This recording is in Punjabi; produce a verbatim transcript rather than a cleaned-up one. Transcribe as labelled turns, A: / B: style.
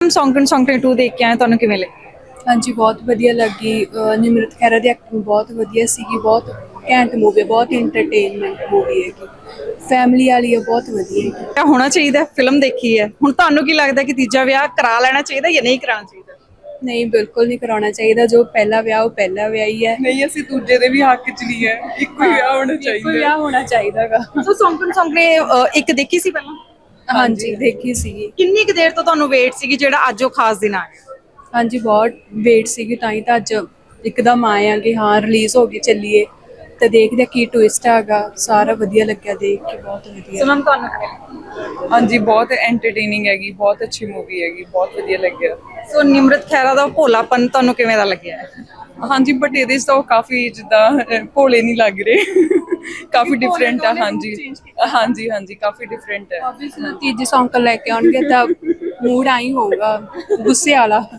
A: ਸੌਂਕਣ ਸੌਂਕਣੇ ਟੂ ਦੇਖ ਕੇ ਆਏ, ਤੁਹਾਨੂੰ ਕਿਵੇਂ ਲੱਗੀ?
B: ਹਾਂਜੀ ਬਹੁਤ ਵਧੀਆ ਲੱਗੀ। ਅਹ ਨਿਮਰਤ ਖਹਿਰਾ ਦੀ ਐਕਟਿੰਗ ਬਹੁਤ ਵਧੀਆ ਸੀਗੀ। ਬਹੁਤ ਘੈਂਟ ਮੂਵੀ ਹੈ, ਬਹੁਤ ਇੰਟਰਟੇਨਮੈਂਟ ਮੂਵੀ ਹੈਗੀ, ਫੈਮਿਲੀ ਵਾਲੀ ਹੈ, ਬਹੁਤ ਵਧੀਆ ਹੈਗੀ।
A: ਕਿਆ ਹੋਣਾ ਚਾਹੀਦਾ? ਫਿਲਮ ਦੇਖੀ ਹੈ ਹੁਣ, ਤੁਹਾਨੂੰ ਕੀ ਲੱਗਦਾ ਕਿ ਤੀਜਾ ਵਿਆਹ ਕਰਾ ਲੈਣਾ ਚਾਹੀਦਾ ਜਾਂ ਨਹੀਂ ਕਰਾਉਣਾ ਚਾਹੀਦਾ?
B: ਨਹੀਂ, ਬਿਲਕੁਲ ਨਹੀਂ ਕਰਾਉਣਾ ਚਾਹੀਦਾ। ਜੋ ਪਹਿਲਾ ਵਿਆਹ ਉਹ ਪਹਿਲਾ ਵਿਆਹ ਹੀ ਹੈ।
C: ਨਹੀਂ, ਅਸੀਂ ਦੂਜੇ ਦੇ ਵੀ ਹੱਕ 'ਚ ਨਹੀਂ ਹੈ, ਇੱਕੋ ਹੀ ਵਿਆਹ ਹੋਣਾ
B: ਇੱਕੋ
C: ਚਾਹੀਦਾ।
B: ਵਿਆਹ ਹੋਣਾ ਚਾਹੀਦਾ ਗਾ।
A: ਸੋ ਸੌਂਕਣ ਸੌਂਕਣੇ ਅ, ਇੱਕ ਦੇਖੀ ਸੀ ਪਹਿਲਾਂ?
B: ਹਾਂਜੀ ਦੇਖੀ ਸੀਗੀ।
A: ਕਿੰਨੀ ਕੁ ਦੇਰ ਤੋਂ ਤੁਹਾਨੂੰ ਵੇਟ ਸੀਗੀ ਜਿਹੜਾ ਅੱਜ ਉਹ ਖਾਸ ਦਿਨ ਆ ਗਿਆ?
B: ਹਾਂਜੀ ਬਹੁਤ ਵੇਟ ਸੀਗੀ, ਤਾਂ ਹੀ ਤਾਂ ਅੱਜ ਇੱਕਦਮ ਆਏ ਆ ਕਿ ਹਾਂ ਰਿਲੀਜ਼ ਹੋ ਗਈ, ਚੱਲੀਏ ਤੇ ਦੇਖਦੇ ਕੀ ਟਵਿਸਟ ਹੈਗਾ। ਸਾਰਾ ਵਧੀਆ ਲੱਗਿਆ ਦੇਖ ਕੇ, ਬਹੁਤ ਵਧੀਆ।
A: ਸੁਣਨ ਤੁਹਾਨੂੰ ਕਿਵੇਂ ਲੱਗੀ?
C: ਹਾਂਜੀ ਬਹੁਤ ਐਂਟਰਟੇਨਿੰਗ ਹੈਗੀ, ਬਹੁਤ ਅੱਛੀ ਮੂਵੀ ਹੈਗੀ, ਬਹੁਤ ਵਧੀਆ ਲੱਗਿਆ।
A: ਸੋ ਨਿਮਰਤ ਖਹਿਰਾ ਦਾ ਭੋਲਾਪਨ ਤੁਹਾਨੂੰ ਕਿਵੇਂ ਦਾ ਲੱਗਿਆ?
C: ਹਾਂਜੀ ਬਟ ਇਹਦੇ 'ਚ ਤਾਂ ਉਹ ਕਾਫੀ ਜਿੱਦਾਂ ਅਹ, ਭੋਲੇ ਨਹੀਂ ਲੱਗ ਰਹੇ ਕਾਫੀ ਡਿਫਰੈਂਟ ਆ। ਹਾਂਜੀ ਹਾਂਜੀ ਹਾਂਜੀ ਕਾਫੀ ਡਿਫਰੈਂਟ ਹੈ।
B: ਤੀਜੀ ਸੌਂਕਣ ਲੈ ਕੇ ਆਉਣਗੇ ਤਾਂ ਮੂਡ ਆਈ ਹੋਊਗਾ ਗੁੱਸੇ ਵਾਲਾ।